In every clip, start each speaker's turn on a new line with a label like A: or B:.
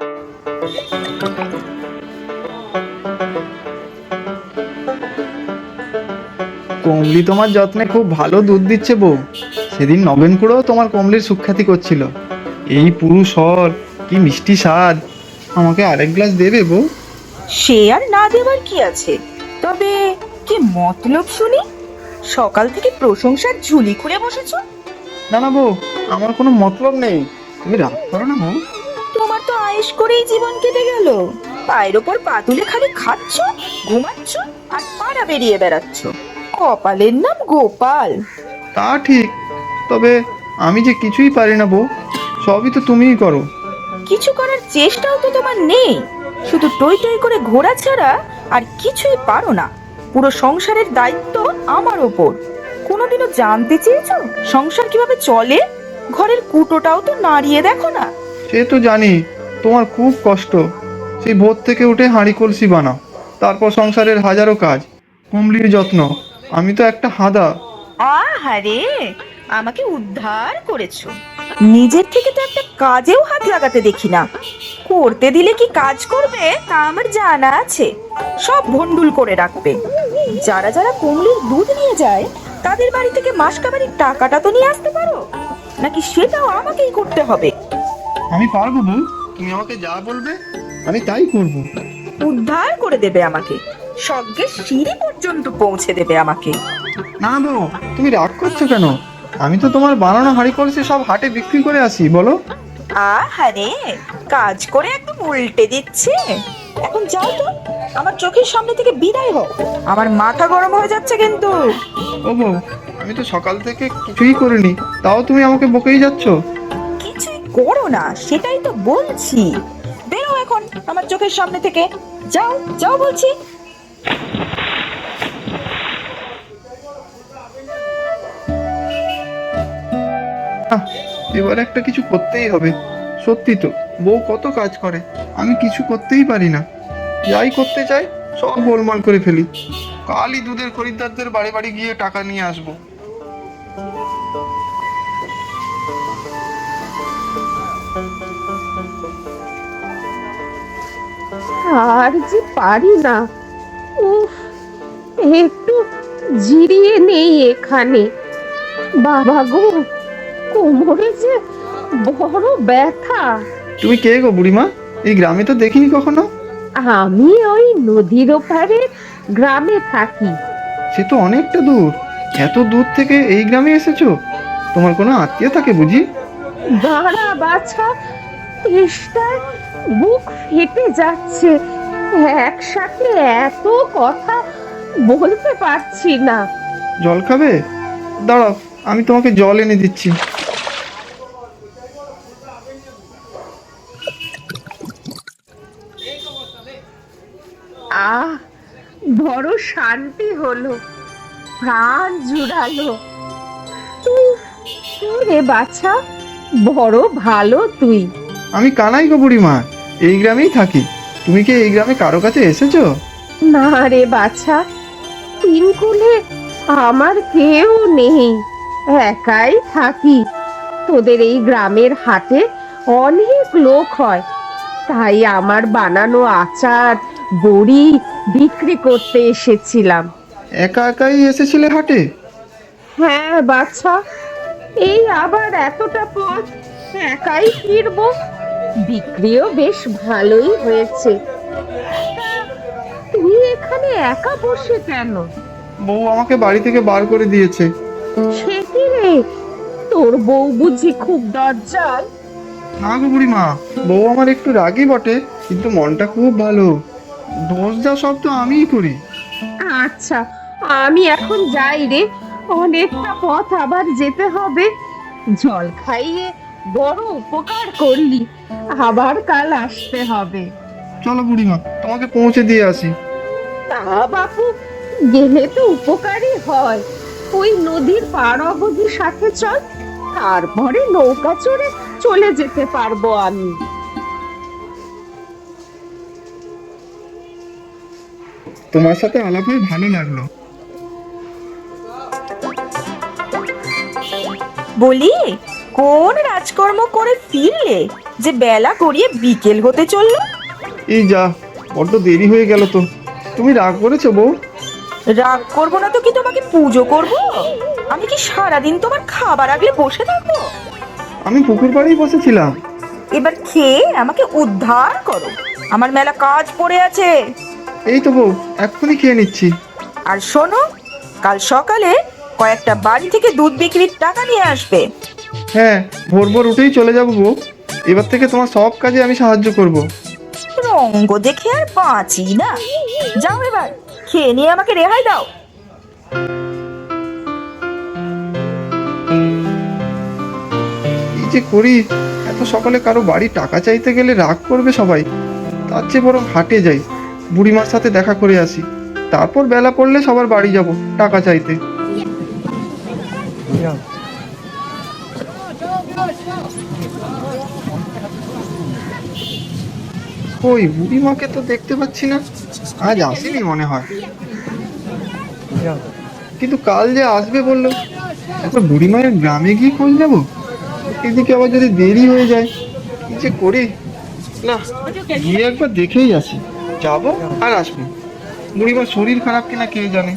A: কমলি তোমার যত্নে খুব ভালো দুধ দিচ্ছে বউ। সেদিন নগেন খুড়ো তোমার কমলির সুখ্যাতি করছিল। এই পুরুষ হল, কি মিষ্টি স্বাদ। আমাকে আরেক গ্লাস দেবে বউ?
B: সে আর না দেবার কি আছে, তবে কি মতলব শুনি? সকাল থেকে প্রশংসার ঝুলি খুঁড়ে বসেছো।
A: না না বউ, আমার কোনো মতলব নেই, তুমি রাগ করো না বউ।
B: তোমার তো আয়েশ করেই জীবন কেটে গেল। পায়ের ওপর পা তুলে খালি খাচ্ছ, ঘুমাচ্ছ আর পাড়া বেরিয়ে বেড়াচ্ছ। কপালের নাম গোপাল।
A: তা ঠিক, তবে আমি যে কিছুই পারি না বউ, সবই তো তুমিই করো।
B: কিছু করার চেষ্টাও তো তোমার নেই, শুধু টই টই করে ঘোরা ছাড়া আর কিছুই পারো না। পুরো সংসারের দায়িত্ব আমার ওপর। কোনোদিনও জানতে চেয়েছো সংসার কিভাবে চলে? ঘরের কুটোটাও তো নাড়িয়ে দেখো না।
A: সে তো জানি, তোমার খুব কষ্ট। সেই ভোর থেকে উঠে হাঁড়ি কলসি বানাও, তারপর সংসারের হাজারো কাজ, কুমলির যত্ন। আমি তো একটা হাদা।
B: আহারে, আমাকে উদ্ধার করেছো। নিজের থেকে তো একটা কাজেও হাত লাগাতে দেখি না। করতে দিলে কি কাজ করবে তা আমার জানা আছে। সব ভন্ডুল করে রাখবে। যারা যারা কমলির দুধ নিয়ে যায় তাদের বাড়ি থেকে মাসকাবারির টাকাটা তো নিয়ে আসতে পারো, নাকি সেটাও আমাকেই করতে হবে?
A: আমি পারবো বউ, তুমি আমাকে যা বলবে আমি তাই করব।
B: উদ্ধার করে দেবে আমাকে, স্বর্গের সিঁড়ি পর্যন্ত পৌঁছে দেবে আমাকে।
A: না বউ, তুমি রাগ করছো কেন? আমি তো তোমার বানানো হাঁড়ি কলসি সব হাটে বিক্রি করে আসি, বলো।
B: আহারে, কাজ করে একদম উল্টে দিচ্ছে। এখন যাও তো, আমার চোখের সামনে থেকে বিদায় হও। আমার মাথা গরম হয়ে যাচ্ছে কিন্তু।
A: ও বউ, আমি তো সকাল থেকে কিছুই করিনি, তাও তুমি আমাকে বকেই যাচ্ছ।
B: কিছুই করো না সেটাই তো বলছি। বেরো এখন আমার চোখের সামনে থেকে। যাও যাও বলছি।
A: আহ, এবার একটা কিছু করতেই হবে। সত্যি তো, বউ কত কাজ করে, আমি কিছু করতেই পারি না। যাই করতে চাই সব গোলমাল করে ফেলি। কালই দুধের খরিদ্দারদের বাড়ি বাড়ি গিয়ে টাকা নিয়ে আসবো।
C: আর যে পারি না। উফ, একটু জিরিয়ে নেই এখানে। বাবা গো, কোমরে যে বড় ব্যথা।
A: তুমি কে গো বুড়িমা? এই গ্রামে তো দেখিনি কখনো।
C: আমি ওই নদীর ওপারে গ্রামে থাকি।
A: সে তো অনেকটা দূর, এত দূর থেকে এই গ্রামে এসেছো? তোমার কোনো আত্মীয় থাকে বুঝি?
C: দাঁড়া বাছা, তেষ্টায় বুক ফেটে যাচ্ছে। একসাথে এত কথা বলতে পারছি না।
A: জল খাবে? দাঁড়াও, আমি তোমাকে জল এনে দিচ্ছি।
C: আহ, বড় শান্তি হলো, প্রাণ জুড়ালো। উফ, রে বাছা, বড় ভালো তুই।
A: আমি কানাই গো বুড়িমা, এই গ্রামেই থাকি। তুমি কি এই গ্রামে কারো কাছে এসেছো?
C: না রে বাছা, তিনকুলে আমার কেউ নেই, একাই থাকি। তোদের এই গ্রামের হাটে অনেক লোক হয়, তাই আমার বানানো আচার বড়ি বিক্রি করতে এসেছিলাম।
A: একা একাই এসেছিলে হাটে?
C: হ্যাঁ বাছা, এই আবার এতটা পথ একাই ফিরবো। বিক্রিও বেশ ভালোই হয়েছে। তা তুই এখানে একা বসে কেন?
A: বউ আমাকে বাড়ি থেকে বার করে দিয়েছে।
C: সে কি রে, তোর বউ বুঝি খুব দরজাল?
A: না গো বুড়িমা, বউ আমার একটু রাগী বটে, কিন্তু মনটা খুব ভালো। দোষ যা সব তো আমিই করি।
C: আচ্ছা, আমি এখন যাই রে, অনেকটা পথ আবার যেতে হবে। জল খাইয়ে বড় উপকার করলি, আবার কাল আসতে হবে।
A: চলো বুড়িমা, তোমাকে পৌঁছে দিয়ে আসি।
C: তা বাপু, গেলে তো উপকারই হয়। ওই নদীর পার অবধি সাথে চল, তারপরে নৌকা চড়ে চলে যেতে পারবো আমি।
A: তোমার সাথে আলাপ হয়ে ভালো লাগলো।
B: বলি, কোন রাজকর্ম করে ফিরলে? যে বেলা গড়িয়ে বিকেল হতে চললো।
A: এই যা, বড্ড দেরি হয়ে গেল তো। তুমি রাগ করেছো বউ?
B: রাগ করবো না তো কি তোমাকে পুজো করব? আমি কি সারাদিন তোমার খাবার আগলে বসে থাকবো?
A: আমি পুকুর পাড়েই বসেছিলাম।
B: এবার খেয়ে আমাকে উদ্ধার করো, আমার মেলা কাজ পড়ে আছে।
A: এই তো বউ, এক্ষুনি খেয়ে নিচ্ছি।
B: আর শোনো, কাল সকালে কয়েকটা বাড়ি থেকে দুধ বিক্রির টাকা নিয়ে আসবে।
A: হ্যাঁ, ভোর ভোর উঠেই চলে যাবো বউ। এবার থেকে তোমার সব কাজে আমি সাহায্য করব।
B: রঙ্গ দেখে আর বাঁচি না। যাও এবার খেয়ে নিয়ে আমাকে রেহাই দাও।
A: এই যে করি, এত সকালে কারো বাড়ি টাকা চাইতে গেলে রাগ করবে সবাই। তার চেয়ে বরং হাটে যাই, বুড়িমার সাথে দেখা করে আসি। তারপর বেলা পড়লে সবার বাড়ি যাব টাকা চাইতে। ওই বুড়িমাকে তো দেখতে পাচ্ছি না, আজ আসেনি মনে হয়। কিন্তু কাল যে আসবে বললো, একবার বুড়িমায়ের গ্রামে গিয়ে খোঁজ নেবো। এদিকে আবার যদি দেরি হয়ে যায়, কি যে করি। না, গিয়ে একবার দেখেই আসি। যাবো আর আসবো। বুড়িমার শরীর খারাপ কিনা কে জানে।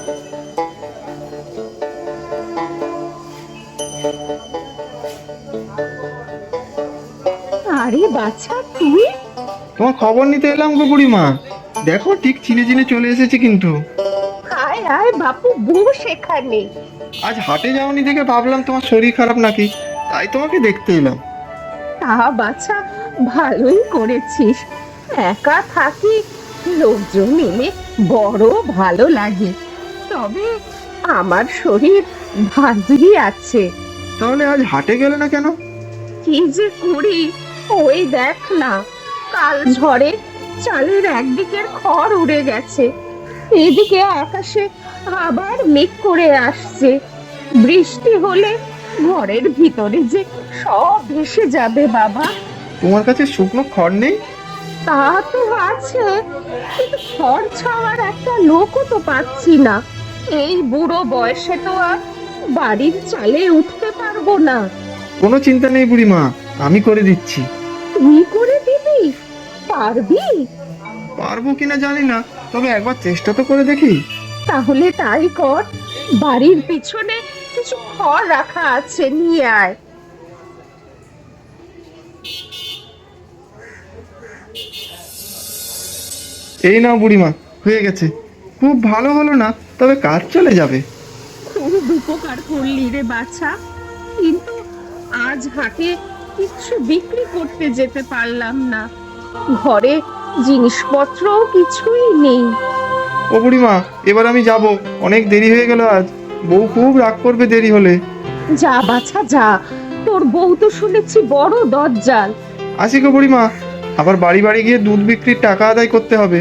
C: আরে বাছা, তুই?
A: তোমার খবর নিতে এলাম গো বুড়িমা। দেখো, ঠিক চিনে চিনে চলে এসেছি কিন্তু।
C: আয় আয় বাপু, বস এখানে।
A: আজ হাটে যাওনি দেখে ভাবলাম তোমার শরীর খারাপ নাকি, তাই তোমাকে দেখতে এলাম।
C: তা বাছা, ভালোই করেছিস। একা থাকি, লোকজন এলে বড় ভালো লাগে। তবে আমার শরীর ভারী আছে।
A: তাহলে আজ হাটে গেলে না কেন?
C: কি যে করি, ওই দেখ না, কাল ঝড়ে চালের একদিকের খড় উড়ে গেছে, এদিকে আকাশে আবার মেঘ করে আসছে। বৃষ্টি হলে ঘরের ভিতরে যে সব ভেসে যাবে বাবা।
A: তোমার কাছে শুকনো খড় নেই?
C: তা তো আছে, কিন্তু খড় ছাওয়ার একটা লোকও তো পাচ্ছি না। এই বুড়ো বয়সে তো আর বাড়ির চালে উঠতে পারবো না।
A: কোনো চিন্তা নেই বুড়িমা, আমি করে দিচ্ছি।
C: তুই করে দিবি? পারবি?
A: পারবো কিনা জানি না, তবে একবার চেষ্টা তো করে দেখি।
C: তাহলে তাই কর, বাড়ির পিছনে কিছু খড় রাখা আছে, নিয়ে আয়।
A: এই নাও বুড়িমা, হয়ে গেছে। খুব ভালো হলো না, তবে কাজ চলে যাবে।
C: খুব উপকার করলি রে বাছা, কিন্তু আজ হাটে কিছু বিক্রি করতে যেতে পারলাম না। ঘরে জিনিসপত্রও কিছুই নেই।
A: ও বুড়িমা, এবার আমি যাব। অনেক দেরি হয়ে গেল আজ। বউ খুব রাগ করবে দেরি হলে।
C: যা বাছা যা, তোর বউ তো শুনেছি বড় দজ্জাল।
A: আসি গো বুড়িমা, আবার বাড়ি বাড়ি গিয়ে দুধ বিক্রির টাকা আদায় করতে হবে।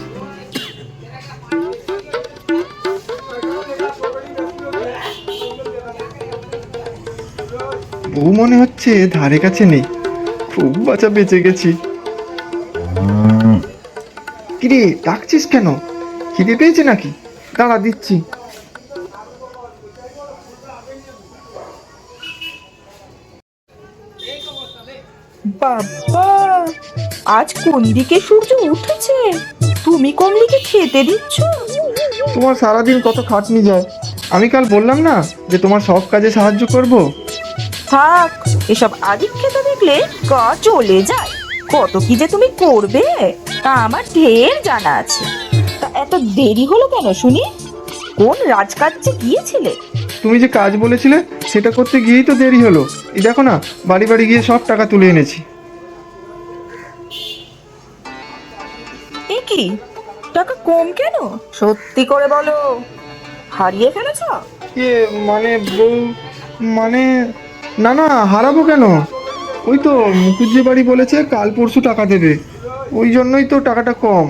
A: বউ মনে হচ্ছে ধারে কাছে নেই। খুব বাঁচা বেঁচে গেছি। কিরে, ডাকছিস কেন? খিদে পেয়েছে নাকি? দাঁড়া, দিচ্ছি।
B: বাবা, আজ কোন দিকে সূর্য উঠেছে? তুমি কমলিকে খেতে দিচ্ছ?
A: তোমার সারাদিন কত খাটনি যায়। আমি কাল বললাম না যে তোমার সব কাজে সাহায্য করব।
B: থাক, এসব আদিক খেতে দেখলে গা চলে যায়। কত কি যে তুমি করবে তা আমার ঢের জানা আছে। তা এত দেরি হলো কেন শুনি? কোন রাজকার্যে গিয়েছিলে?
A: তুমি যে কাজ বলেছিলে সেটা করতে গিয়েই তো দেরি হলো। এই দেখো না, বাড়ি বাড়ি গিয়ে সব টাকা তুলে এনেছি।
B: এ কি, টাকা কম কেন? সত্যি করে বলো, হারিয়ে ফেলেছ?
A: মানে বউ, মানে না না, হারাবো কেন? ওই তো মুখুজ্জি বাড়ি বলেছে কাল পরশু টাকা দেবে, ওই জন্যই তো টাকাটা কম।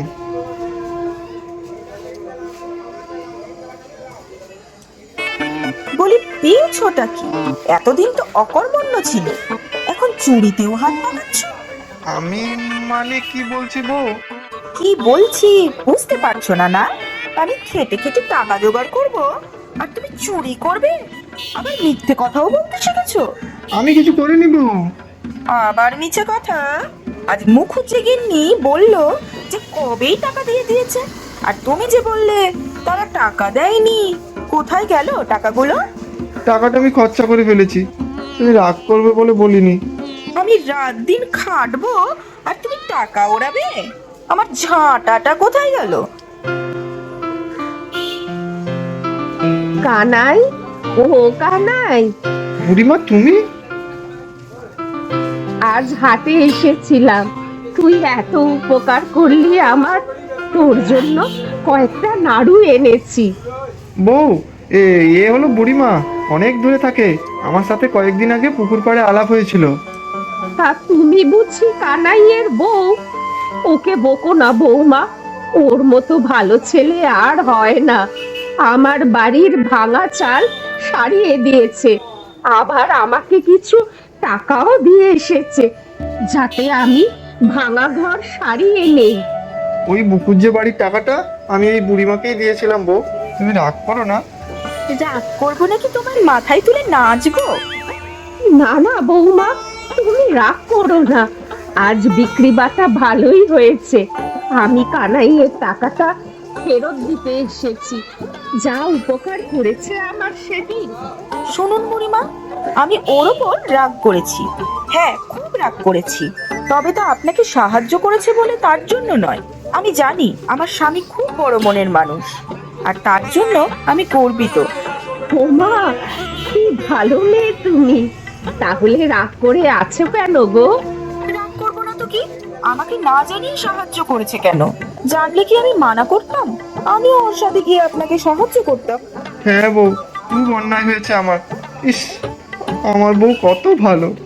B: বলি পেয়েছোটা কি? এতদিন তো অকর্মণ্য ছিল, এখন চুরিতেও হাত পাকাচ্ছ।
A: আমি মানে কি বলছি বউ?
B: কি বলছি বুঝতে পারছো না? না, আমি খেটে খেটে টাকা জোগাড় করব আর তুমি চুরি করবে? আবার মিথ্যে কথাও বলতে শিখেছো।
A: আমি কিছু করিনি বউ।
B: আবার মিছে কথা। আজ মুখুজ্জে গিন্নি বলল যে কবেই টাকা দিয়ে দিয়েছে, আর তুমি যে বললে তারা টাকা দেয়নি। কোথায় গেল টাকাগুলো?
A: টাকাটা আমি খরচা করে ফেলেছি, তুমি রাগ করবে বলে বলিনি।
B: আমি রাত দিন খাটবো আর তুমি টাকা ওড়াবে? আমার ঝাঁটাটা কোথায় গেল?
C: কানাই, ও কানাই,
A: বুড়িমা তুমি?
C: আজ হাটে এসেছিলাম, তুই এত উপকার করলি আমার, তোর জন্য কয়েকটা নাড়ু এনেছি।
A: বউ, এ হলো বুড়িমা, অনেক দূরে থাকে। আমার সাথে কয়েকদিন আগে পুকুর পাড়ে আলাপ হয়েছিল।
C: তা তুমি বুঝি কানাইয়ের বউ? ওকে বকো না বৌমা, ওর মতো ভালো ছেলে আর হয় না। আমার বাড়ির ভাঙা চাল সারিয়ে দিয়েছে, আবার আমাকে কিছু টাকাও দিয়ে এসেছে, যাতে আমি ভাঙা ঘর সারিয়ে নেই।
A: ওই বুকুজ্জে বাড়ির টাকাটা আমি এই বুড়িমাকেই দিয়েছিলাম বউ, তুমি রাগ করো না।
B: রাগ করবো নাকি তোমার মাথায় তুলে নাচবো?
C: না না বৌমা, তুমি রাগ করো না, আজ বিক্রি বাটা ভালোই হয়েছে। আমি কানাইয়ের টাকাটা ফেরত দিতে এসেছি, যা উপকার করেছে আমার সেদিন।
B: শুনুন বুড়িমা, আমি ওর ওপর রাগ করেছি, হ্যাঁ খুব রাগ করেছি। তবে তা আপনাকে সাহায্য করেছে বলে তার জন্য নয়। আমি জানি আমার স্বামী খুব বড় মনের মানুষ, আর তার জন্য আমি গর্বিত।
C: ওমা, কি ভালো মেয়ে তুমি, তাহলে রাগ করে আছো কেন গো?
B: রাগ করবো না তো কি? আমাকে না জানিয়ে সাহায্য করেছে কেন? জানলে কি আমি মানা করতাম? আমিও ওর সাথে গিয়ে আপনাকে সাহায্য করতাম।
A: হ্যাঁ বউ, খুব অন্যায় হয়েছে আমার। ইস, আমার বউ কত ভালো।